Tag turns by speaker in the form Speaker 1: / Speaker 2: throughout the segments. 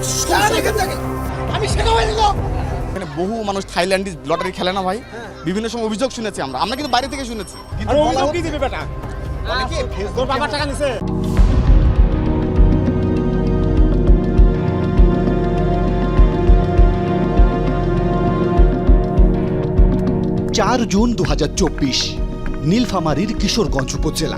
Speaker 1: আমি সেনাবাহিনীর লোক। এখানে বহু মানুষ থাইল্যান্ডে লটারি খেলে না ভাই, বিভিন্ন সময় অভিযোগ শুনেছি আমরা কিন্তু বাইরে থেকে শুনেছি।
Speaker 2: আর অভিযোগ কি দিবে বেটা?
Speaker 1: অনেকে
Speaker 2: তোর বাবার টাকা নিছে।
Speaker 3: 4 জুন 2024 নীলফামারীর কিশোরগঞ্জ উপজেলা।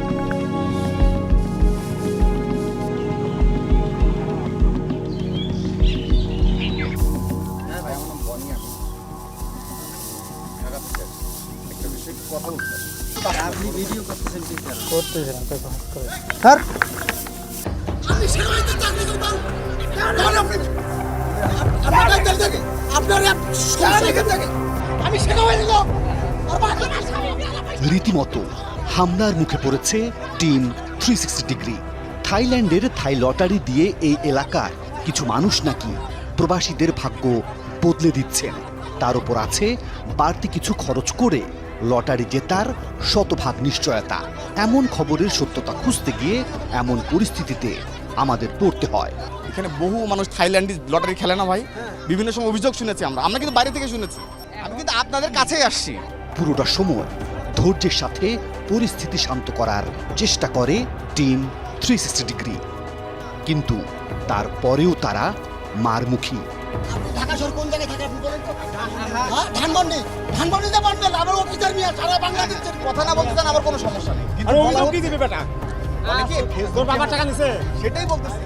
Speaker 3: রীতিমতো হামলার মুখে পড়েছে টিম 360 ডিগ্রি। থাইল্যান্ডের থাই লটারি দিয়ে এই এলাকার কিছু মানুষ নাকি প্রবাসীদের ভাগ্য বদলে দিচ্ছেন। তার উপর আছে বাড়তি কিছু খরচ করে লটারি জেতার শতভাগ নিশ্চয়তা। এমন খবরের সত্যতা খুঁজতে গিয়ে এমন পরিস্থিতিতে আমাদের পড়তে হয়।
Speaker 1: এখানে বহু মানুষ থাইল্যান্ডে লটারি খেলে না ভাই, বিভিন্ন সময় অভিযোগ শুনেছি আমরা কিন্তু বাইরে থেকে শুনেছি। আমি কিন্তু আপনাদের কাছেই আসছি।
Speaker 3: পুরোটা সময় ধৈর্যের সাথে পরিস্থিতি শান্ত করার চেষ্টা করে টিম 360 ডিগ্রি, কিন্তু তারপরেও তারা মারমুখী।
Speaker 4: ঢাকা শহর কোন জায়গায় থাকে আপনি বলেন তো? ধানমন্ডিতে পারবেন, আমার অফিসার নিয়ে সারা বাংলাদেশের
Speaker 1: কথা না বলতে চান আমার কোনো সমস্যা নেই,
Speaker 2: আর অভিযোগ কি দিবে বেটা?
Speaker 1: অনেকে
Speaker 2: তোর বাবার টাকা নিছে।
Speaker 1: সেটাই বলতেছি।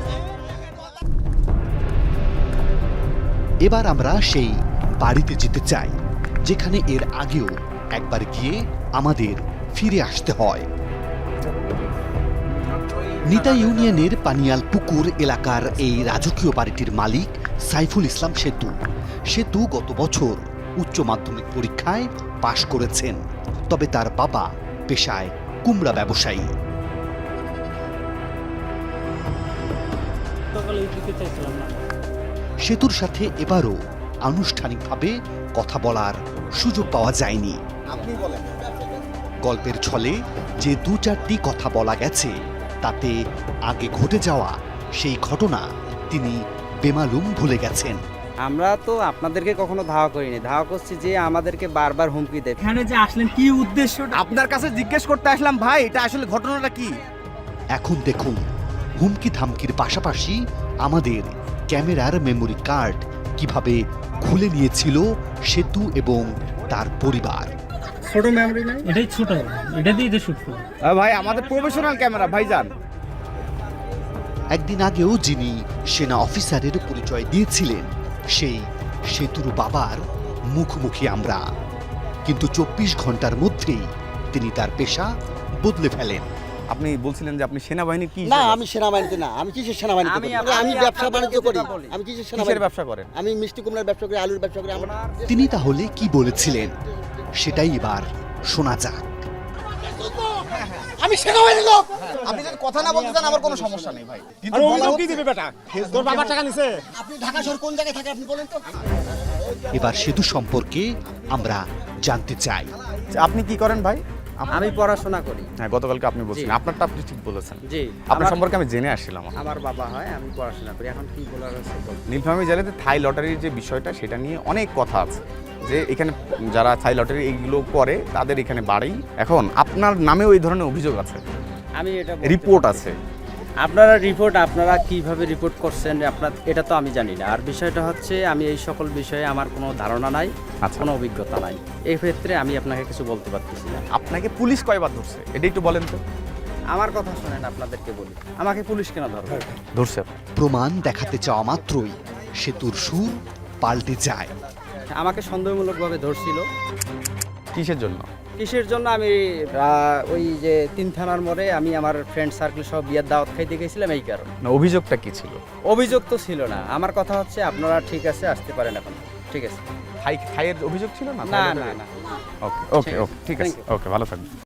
Speaker 3: এবার আমরা সেই বাড়িতে যেতে চাই যেখানে এর আগেও একবার গিয়ে আমাদের ফিরে আসতে হয়। নিতা ইউনিয়নের পানিয়াল পুকুর এলাকার এই রাজকীয় বাড়িটির মালিক সাইফুল ইসলাম সেতু গত বছর উচ্চ মাধ্যমিক পরীক্ষায় পাশ করেছেন। তবে তার বাবা পেশায় কুমড়া ব্যবসায়ী। সেতুর সাথে এবারও আনুষ্ঠানিকভাবে কথা বলার সুযোগ পাওয়া যায়নি। গল্পের ছলে যে 2-4টি কথা বলা গেছে তাতে আগে ঘটে যাওয়া সেই ঘটনা তিনি বেমালুম ভুলে গেছেন।
Speaker 5: আমরা তো আপনাদেরকে কখনো ধাওয়া করিনি, ধাওয়া করছি যে আমাদেরকে বারবার হুমকি দেয়।
Speaker 2: এখানে যে আসলেন কি উদ্দেশ্য?
Speaker 1: আপনার কাছে জিজ্ঞেস করতে আসলাম ভাই, এটা আসলে ঘটনাটা কি।
Speaker 3: এখন দেখুন হুমকি ধামকির পাশাপাশি আমাদের ক্যামেরার মেমোরি কার্ড কিভাবে খুলে নিয়েছিল সেতু এবং তার পরিবার।
Speaker 2: ছোট মেমরি নাই, এটাই ছোট, এটা দিয়ে শুট করব।
Speaker 1: ভাই আমাদের প্রফেশনাল ক্যামেরা ভাইজান।
Speaker 3: একদিন আগেও যিনি সেনা অফিসারের পরিচয় দিয়েছিলেন সেই সেতুর বাবার মুখোমুখি আমরা, কিন্তু 24 ঘন্টার মধ্যেই তিনি তার পেশা বদলে ফেলেন।
Speaker 1: আপনি বলছিলেন যে আপনি সেনাবাহিনীর কি?
Speaker 4: না, আমি সেনাবাহিনীতে না। আমি কিসের সেনাবাহিনীতে করি? আমি ব্যবসা বাণিজ্য করি। আমি কিসের সেনাবাহিনী
Speaker 1: ব্যবসা করেন?
Speaker 4: আমি মিষ্টি কুমড়ার ব্যবসা করি, আলুর ব্যবসা করি।
Speaker 3: তিনি তাহলে কি বলেছিলেন সেটাই এবার শোনা যাক।
Speaker 4: আমি সেনাবাহিনীর লোক।
Speaker 1: আপনি যদি কথা না বলতে চান আমার কোনো সমস্যা নেই ভাই,
Speaker 2: আর অভিযোগ কি দিবে বেটা? তোর বাবার টাকা নিছে।
Speaker 4: আপনি ঢাকা শহর কোন জায়গায় থাকে আপনি বলেন তো?
Speaker 3: এবার সেতু সম্পর্কে আমরা জানতে চাই।
Speaker 1: আপনি কি করেন ভাই?
Speaker 5: আমি পড়াশোনা করি।
Speaker 1: হ্যাঁ, গতকালকে আপনি বলছিলেন, আপনারটা আপনি ঠিক বলেছেন।
Speaker 5: জি,
Speaker 1: আপনার সম্পর্কে আমি জেনে আসছিলাম।
Speaker 5: আমার বাবা হয়, আমি পড়াশোনা করি। এখন কি বলার আছে বলুন।
Speaker 1: নীলফামারী জেলাতে থাই লটারির যে বিষয়টা সেটা নিয়ে অনেক কথা আছে, যে এখানে যারা থাই লটারি এইগুলো করে তাদের এখানে বাড়ি। এখন আপনার নামেও এই ধরনের অভিযোগ আছে,
Speaker 5: আমি এটা
Speaker 1: রিপোর্ট আছে।
Speaker 5: আপনারা কিভাবে রিপোর্ট করছেন আপনার, এটা তো আমি জানি না। আর বিষয়টা হচ্ছে আমি এই সকল বিষয়ে আমার কোনো ধারণা নাই, কোনো অভিজ্ঞতা নাই। এই ক্ষেত্রে আমি আপনাকে কিছু বলতে পারতেছি না।
Speaker 1: আপনাকে পুলিশ কয়বার ধরছে এটা একটু বলেন তো।
Speaker 5: আমার কথা শোনেন, আপনাদেরকে বলি, আমাকে পুলিশ কেন ধরবে?
Speaker 1: ধরছে।
Speaker 3: প্রমাণ দেখাতে চাওয়া মাত্রই সেতুর সুর পাল্টে যায়।
Speaker 5: আমাকে সন্দেহমূলকভাবে ধরছিল।
Speaker 1: কিসের জন্য?
Speaker 5: কিসের জন্য? আমি ওই যে 3 থানার মোড়ে আমি আমার ফ্রেন্ড সার্কেল সব বিয়ের দাওয়াত খাইতে গেছিলাম, এই কারণে।
Speaker 1: না, অভিযোগটা কি ছিল?
Speaker 5: অভিযোগ তো ছিল না। আমার কথা হচ্ছে আপনারা ঠিক আছে আসতে পারেন এখন, ঠিক আছে।
Speaker 1: থাইয়ের অভিযোগ ছিল না?
Speaker 5: না না না।
Speaker 1: ওকে ওকে ওকে, ঠিক আছে, ওকে, ভালো থাকবেন।